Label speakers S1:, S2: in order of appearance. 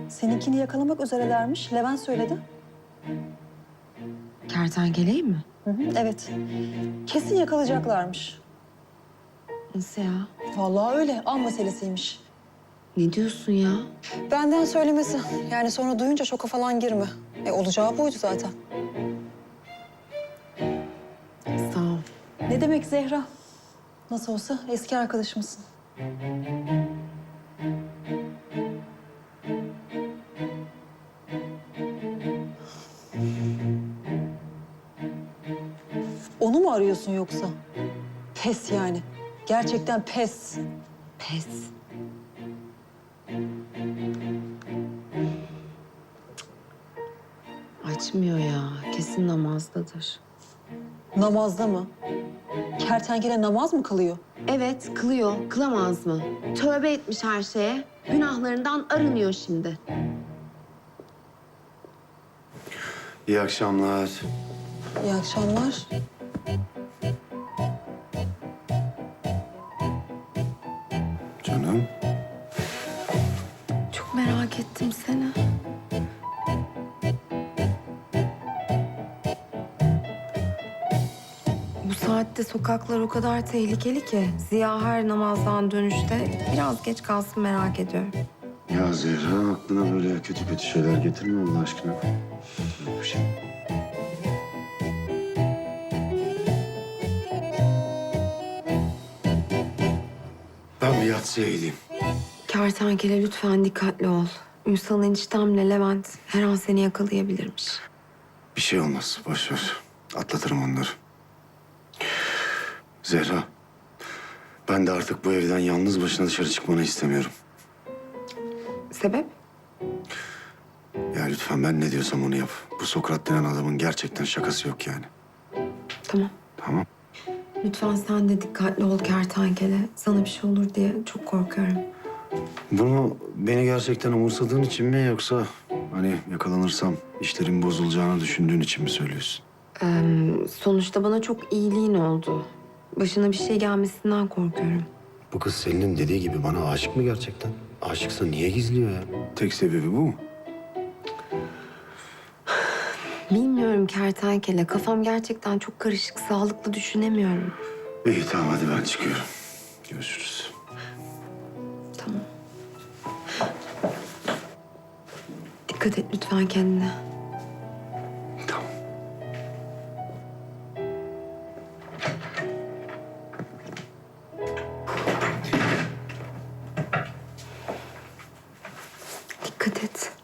S1: Seninkini yakalamak üzerelermiş. Levent söyledi.
S2: Kertenkeleyi mi?
S1: Hı hı, evet. Kesin yakalayacaklarmış.
S2: Nasıl ya?
S1: Vallahi öyle. An meselesiymiş.
S2: Ne diyorsun ya?
S1: Benden söylemesi. Yani sonra duyunca şoka falan girme. Olacağı buydu zaten.
S2: Sağ ol.
S1: Ne demek Zehra? Nasıl olsa eski arkadaşımsın. Onu mu arıyorsun yoksa? Pes yani. Gerçekten pes.
S2: Pes. Açmıyor ya. Kesin namazdadır.
S1: Namazda mı? Kertenkele namaz mı kılıyor?
S2: Evet, kılıyor. Kılamaz mı? Tövbe etmiş her şeye. Günahlarından arınıyor şimdi.
S3: İyi akşamlar.
S1: İyi akşamlar.
S3: Canım.
S2: Çok merak ettim seni. Bu saatte sokaklar o kadar tehlikeli ki. Ziya her namazdan dönüşte biraz geç kalsın merak ediyorum.
S3: Ya Zehra aklına böyle kötü kötü şeyler getirme Allah aşkına. Yok bir şey. Ben bir yatsıya gideyim.
S2: Kertenkele lütfen dikkatli ol. Ünsal eniştemle Levent her an seni yakalayabilirmiş.
S3: Bir şey olmaz. Boş ver. Atlatırım onları. Zehra. Ben de artık bu evden yalnız başına dışarı çıkmanı istemiyorum.
S2: Sebep?
S3: Ya lütfen ben ne diyorsam onu yap. Bu Sokrat denen adamın gerçekten şakası yok yani.
S2: Tamam.
S3: Tamam.
S2: Lütfen sen de dikkatli ol kertenkele. Sana bir şey olur diye çok korkuyorum.
S3: Bunu beni gerçekten umursadığın için mi yoksa hani yakalanırsam işlerin bozulacağını düşündüğün için mi söylüyorsun?
S2: Sonuçta bana çok iyiliğin oldu. Başına bir şey gelmesinden korkuyorum.
S3: Bu kız Selin'in dediği gibi bana aşık mı gerçekten? Aşıksa niye gizliyor ya? Tek sebebi bu mu?
S2: Bilmiyorum kertenkele. Kafam gerçekten çok karışık. Sağlıklı düşünemiyorum.
S3: İyi tamam hadi ben çıkıyorum. Görüşürüz.
S2: Tamam. Dikkat et lütfen kendine.
S3: Tamam.
S2: Dikkat et.